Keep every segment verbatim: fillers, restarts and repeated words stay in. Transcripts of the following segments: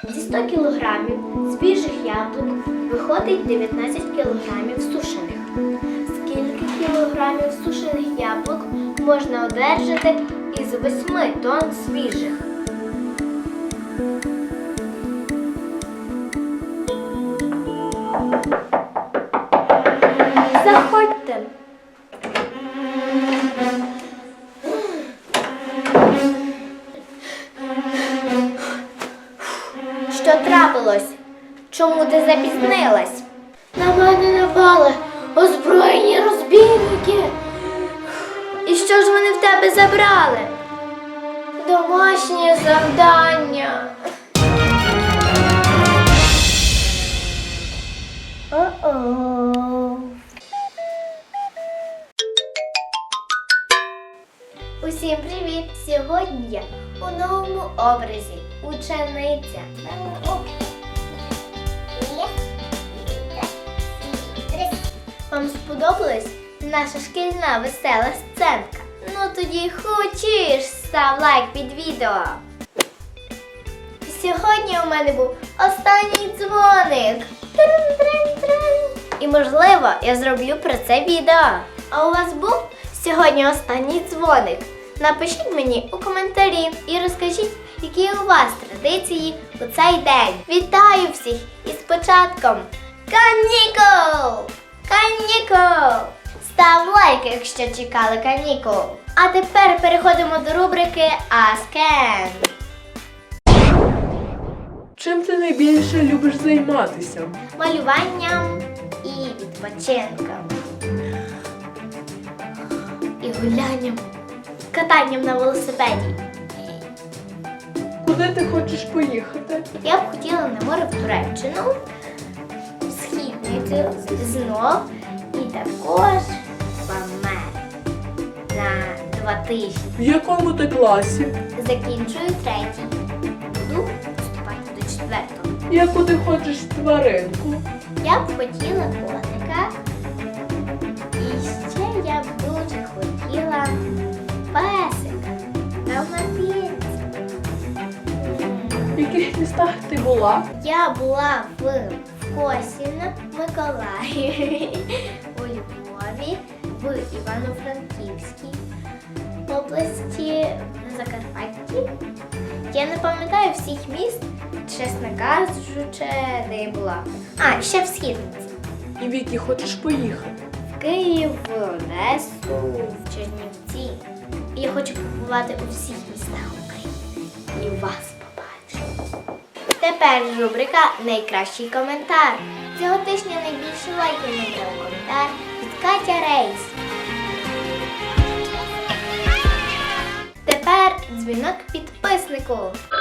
Зі ста кілограмів свіжих яблук виходить дев'ятнадцять кілограмів сушених. Скільки кілограмів сушених яблук можна одержати із восьми тонн свіжих? Заходьте. Що трапилось? Чому ти запізнилась? На мене напали озброєні розбійники. І що ж вони в тебе забрали? Домашнє завдання. О-о. Усім привіт! Сьогодні я у новому образі учениця. Вам сподобалась наша шкільна весела сценка? Ну тоді хочеш, став лайк під відео. Сьогодні у мене був останній дзвоник. Трин-трин-трин. І можливо я зроблю про це відео. А у вас був сьогодні останній дзвоник? Напишіть мені у коментарі і розкажіть, які у вас традиції у цей день. Вітаю всіх із початком канікул! Канікул! Став лайк, якщо чекали канікул. А тепер переходимо до рубрики Ask Ken. Чим ти найбільше любиш займатися? Малюванням і відпочинком. І гулянням. Катанням на велосипеді. Куди ти хочеш поїхати? Я б хотіла на море в Туреччину, в східницю знов і також в Америку на два тижні. В якому ти класі? Закінчую третій. Буду вступати до четвертого. Яку ти хочеш тваринку? Я б хотіла котика. І ще я б дуже хотіла песика. Далматинця. В яких містах ти була? Я була в Косіно, Миколаєві, у Львові, в Івано-Франківській області, на Закарпатті. Я не пам'ятаю всіх міст, чесно кажучи, де я була. А, ще в Східниці. І в які хочеш поїхати? В Київ, в Одесу, в Чернівці. І я хочу побувати у всіх містах України. І вас побачу. Тепер рубрика «Найкращий коментар». Цього тижня найбільше лайків набрав коментар від Катя Рейс. Тепер дзвінок підписнику.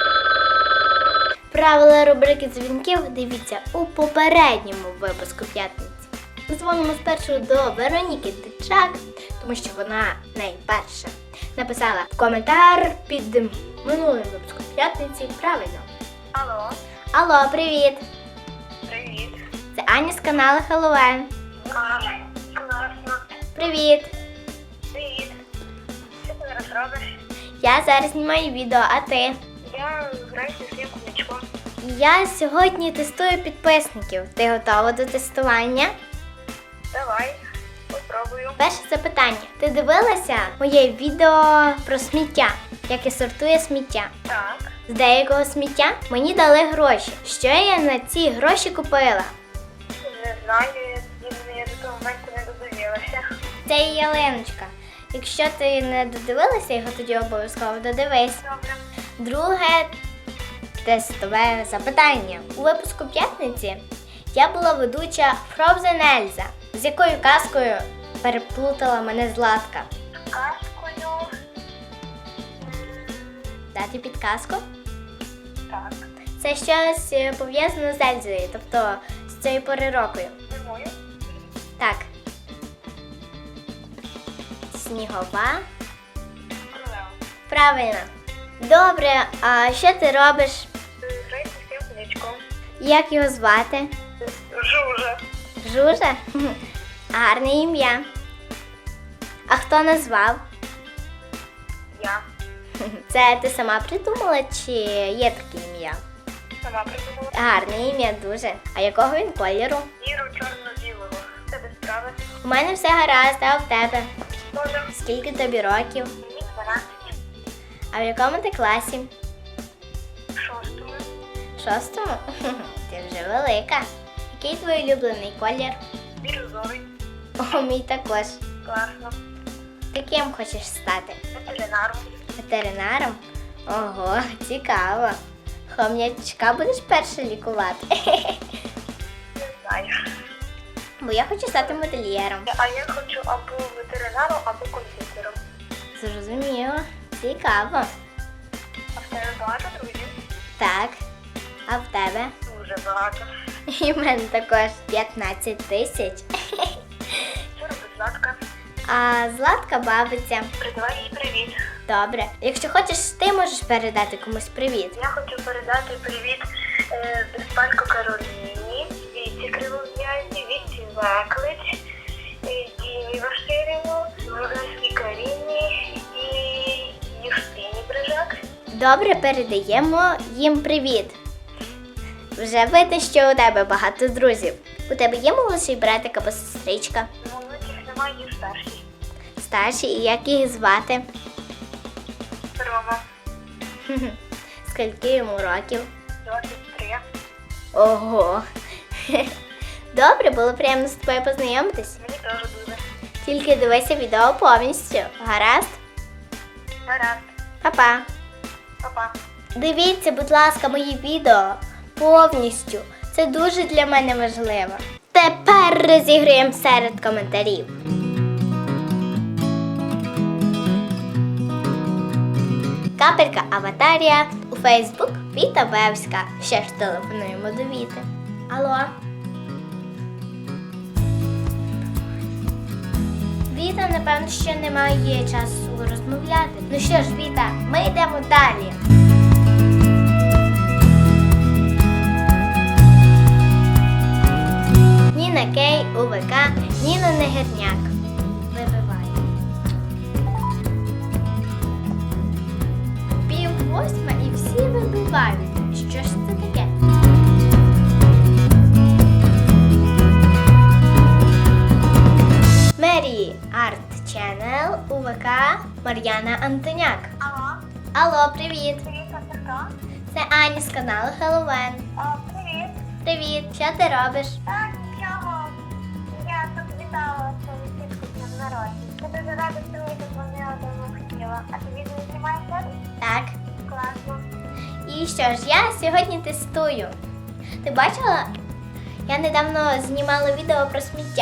Правила рубрики дзвінків дивіться у попередньому випуску п'ятниці. Дзвонимо спершу до Вероніки Тичак, тому що вона найперша написала коментар під минулим випуском п'ятниці правильно. Алло. Алло, привіт! Привіт. Це Аня з каналу Хеллоуен. А, класно. Привіт! Привіт. Що ти зараз робиш? Я зараз знімаю відео, а ти? Я граю зі своїм кумачком. Я сьогодні тестую підписників. Ти готова до тестування? Давай, попробую. Перше запитання. Ти дивилася моє відео про сміття, як я сортую сміття? Так. З деякого сміття мені дали гроші. Що я на ці гроші купила? Не знаю, я, я до того моменту не додивилася. Це є ялиночка. Якщо ти не додивилася його, тоді обов'язково додивись. Добре. Друге тестове запитання. У випуску п'ятниці я була ведуча Frozen Elsa. З якою казкою переплутала мене Златка? Казкою. Дати підказку? Так. Це щось е, пов'язане з Ельзою, тобто з цією пори року. Зимою. Так. Снігова. Королева. Правильно. Добре, а що ти робиш? Граю зі своїм кумачком. Як його звати? Жужа. Жужа? Гарне ім'я. А хто назвав? Я. Це ти сама придумала чи є таке ім'я? Сама придумала. Гарне ім'я дуже. А якого він кольору? Віру чорно-білого. Це без справи. У мене все гаразд, а в тебе? Тоже. Скільки тобі років? Мені дванадцять. А в якому ти класі? Шостому. Шостому? Ти вже велика. Який твій улюблений колір? Бірюзовий. О, мій також. Класно. Ти ким хочеш стати? Ветеринаром. Ветеринаром? Ого, цікаво. Хом'ячка будеш перше лікувати? Не знаю. Бо я хочу стати модельєром. А я хочу або ветеринаром, або комп'ютером. Зрозуміло. Цікаво. А в тебе багато друзів? Так. А в тебе? Дуже багато. І в мене також п'ятнадцять тисяч. Що робить Златка? А Златка бавиться. Передавай їй привіт. Добре. Якщо хочеш, ти можеш передати комусь привіт. Я хочу передати привіт е, Безпалько Кароліні, Віці Кривов'язі, Віці Веклич, е, Дімі Ваширіву, Вроговській Каріні і Юстині Брижак. Добре, передаємо їм привіт. Вже видно, що у тебе багато друзів. У тебе є молодший братик або сестричка? Молодших немає, є старші. Старші, і як їх звати? Рома, Хм-хм. Скільки йому років? двадцять три. Ого. Добре, було приємно з тобою познайомитись. Мені теж дуже. Тільки дивися відео повністю. Гаразд? Гаразд. Па-па. Па-па. Дивіться, будь ласка, мої відео повністю. Це дуже для мене важливо. Тепер розіграємо серед коментарів. Капелька Аватарія у Фейсбук Віта Бевська. Ще ж телефонуємо до Віти. Алло? Віта, напевно, ще немає часу розмовляти. Ну що ж, Віта, ми йдемо далі. Ніна Кей, УВК, Ніна Негерняк. Вибивай. Пів восьма і всі вибивають. Що ж це таке? Мері Арт Ченел, УВК, Мар'яна Антоняк. Алло, Алло, привіт! привіт, а це хто? Це Аня з каналу Хеллоуен. А, привіт. Привіт, що ти робиш? Так, нічого. Я тут вітала свою тітку з днем народження. Я дуже рада, що ви дозвонила, давно хотіла. А ти відео знімаєш зараз? Так. Класно. І що ж, я сьогодні тестую. Ти бачила? Я недавно знімала відео про сміття.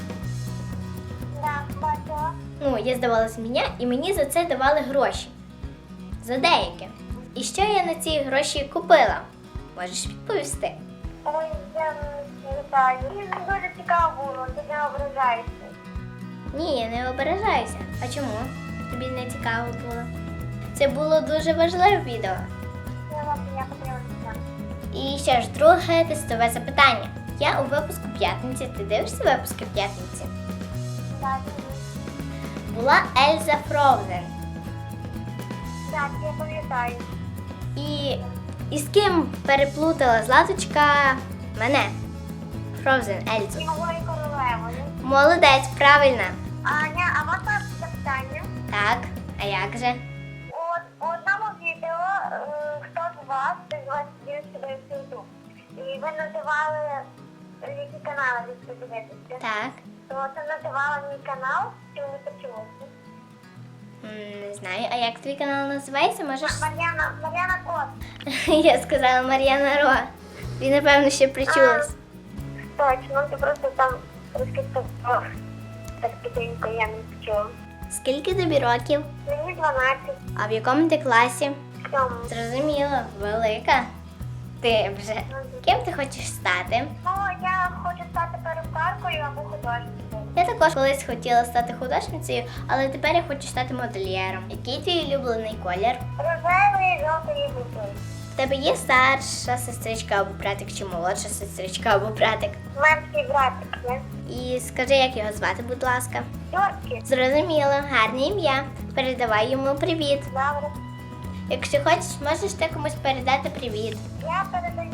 Да, бачила. Ну, я здавала сміття і мені за це давали гроші. За деяке. І що я на ці гроші купила? Можеш відповісти? Ой, я не вітаю. Мені дуже цікаво було, ти не ображаєшся. Ні, я не ображаюся. А чому? Тобі не цікаво було? Це було дуже важливе відео. Я вам я подивилася. І що ж, друге тестове запитання. Я у випуску п'ятниці. Ти дивишся випуски п'ятниці? Так, Була Ельза Фроузен. так, я пам'ятаю. І, і з ким переплутала Златочка мене? Фроузен Ельзу. І малою королевою. Молодець, правильно. Аня, а можна запитання? Так, а як же? От у одному відео е, хто з вас, ти з вас вів себе в Ютуб. І ви називали, е, які канали ви подивитися. Так. То це називала мій канал, чи не почулося? М, Не знаю, а як твій канал називається? Можеш. Мар'яна, Мар'яна Кот. Я сказала Мар'яна Ро. Він, напевно, ще причулась. Точно, ти просто там трошки так, так тихенько я не почула. Скільки тобі років? Мені дванадцять. А в якому ти класі? В цьому. Зрозуміло, велика. Ти вже. Ким ти хочеш стати? Ну, я хочу стати перукаркою або художницею. Я також колись хотіла стати художницею, але тепер я хочу стати модельєром. Який твій улюблений колір? Рожевий, жовтий і жовтий. В тебе є старша сестричка або братик, чи молодша сестричка або братик? Менший братик є. І скажи, як його звати, будь ласка. Йорки. Зрозуміло, гарне ім'я. Передавай йому привіт. Добре. Якщо хочеш, можеш ти комусь передати привіт. Я передаю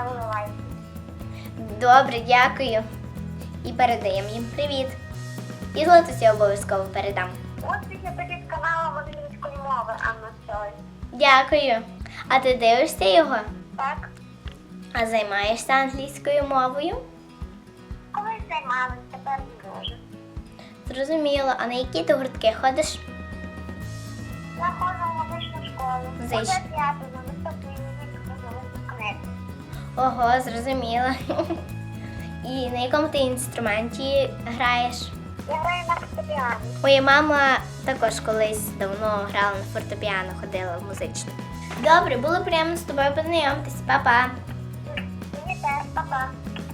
виливаю. Добре, дякую. І передаємо їм привіт. І Златусі обов'язково передам. Успіхи тобі з каналом англійської мови, Анна Сой. Дякую. А ти дивишся його? Так? А займаєшся англійською мовою? Колись займалась, тепер не дуже. Зрозуміло. А на які ти гуртки ходиш? Я ходжу в музичну школу. Зич. Уже п'яту, на наступний місяць буду випускник. Ого, зрозуміла. І на якому ти інструменті граєш? Я граю на фортепіано. Моя мама також колись давно грала на фортепіано, ходила в музичну. Добре, було приємно з тобою познайомитись. Па-па. Мені теж, па-па.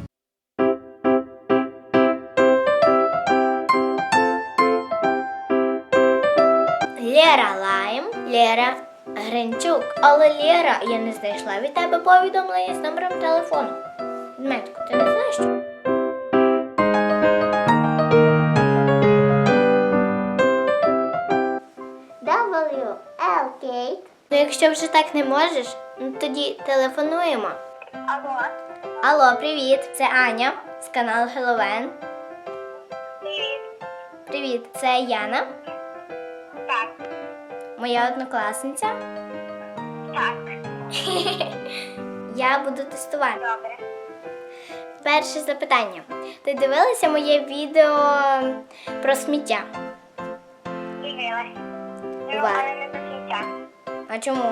Лера Лайм, Лера Гринчук. Але Лера, я не знайшла від тебе повідомлення з номером телефону. Дмитко, ти не знаєш? Що? дабл ю ел Кейт. Ну, якщо вже так не можеш, ну тоді телефонуємо. Алло. Алло, привіт, це Аня з каналу Хеллоуен. Привіт. Привіт, це Яна, Так. моя однокласниця. Так. Я буду тестувати. Добре. Перше запитання. Ти дивилася моє відео про сміття? Дивилась. Ну, Ува. але не до кінця. А чому?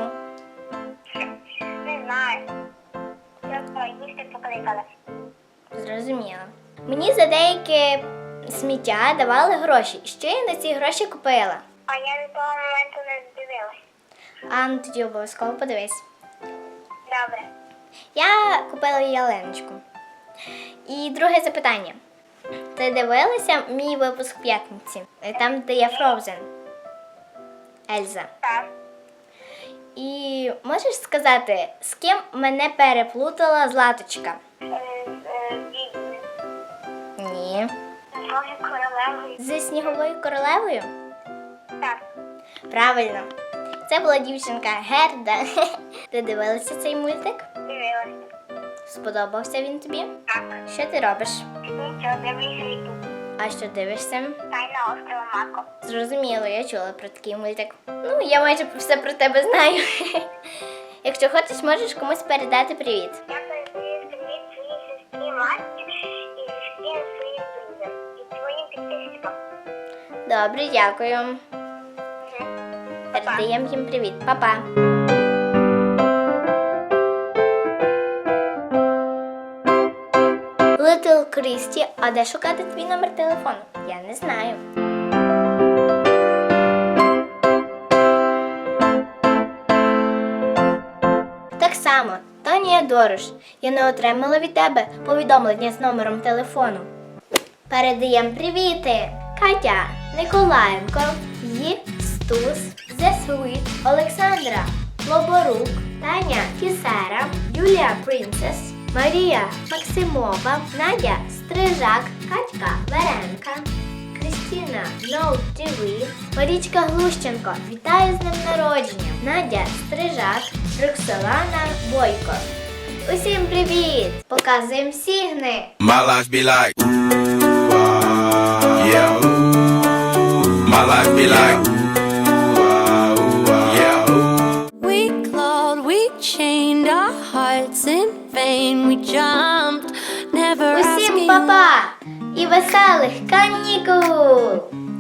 Не знаю. Просто їсти покликали. Зрозуміла. Мені за деяке сміття давали гроші. Що я на ці гроші купила? А я до того моменту не дивилась. А ну тоді обов'язково подивись. Добре. Я купила ялиночку. І друге запитання. Ти дивилася мій випуск п'ятниці? Там, де я Frozen. Ельза. Так. І можеш сказати, з ким мене переплутала Златочка? Е, е, відьми. Ні. Боже, королевою. Зі Сніговою королевою? Так. Правильно. Це була дівчинка Герда. Ти дивилася цей мультик? Дивилася. Сподобався він тобі? Так. Що ти робиш? Нічого, дивлюся ютуб. А що дивишся? Тайна острова Мако. Зрозуміло, я чула про такий мультик. Ну, я майже все про тебе знаю. Якщо хочеш, можеш комусь передати привіт. Я передаю привіт своїй сестрі Масті і всім своїм друзям. І своїм підписчикам. Добре, дякую. Передаємо їм привіт. Па-па. Литл Крісті, а де шукати твій номер телефону? Я не знаю. Так само, Тонія Дорош, я не отримала від тебе повідомлення з номером телефону. Передаємо привіти! Катя Николаєнко, Ї Стус, The Sweet, Олександра Лоборук, Таня Фісера, Юлія Принцес, Марія Максимова, Надя Стрижак, Катька Веренка, Крістіна Ноут ті ві, Марічка Глущенко, вітаю з днем народження, Надя Стрижак, Роксолана Бойко. Усім привіт! Показуємо сігни! My life be like, ooh, ah, yeah, ooh. My life be like, ooh, ah, ooh, ah, yeah, ooh. We clawed, we chained our hearts in vain. We jumped, never Усім asking. па-па і веселих канікул!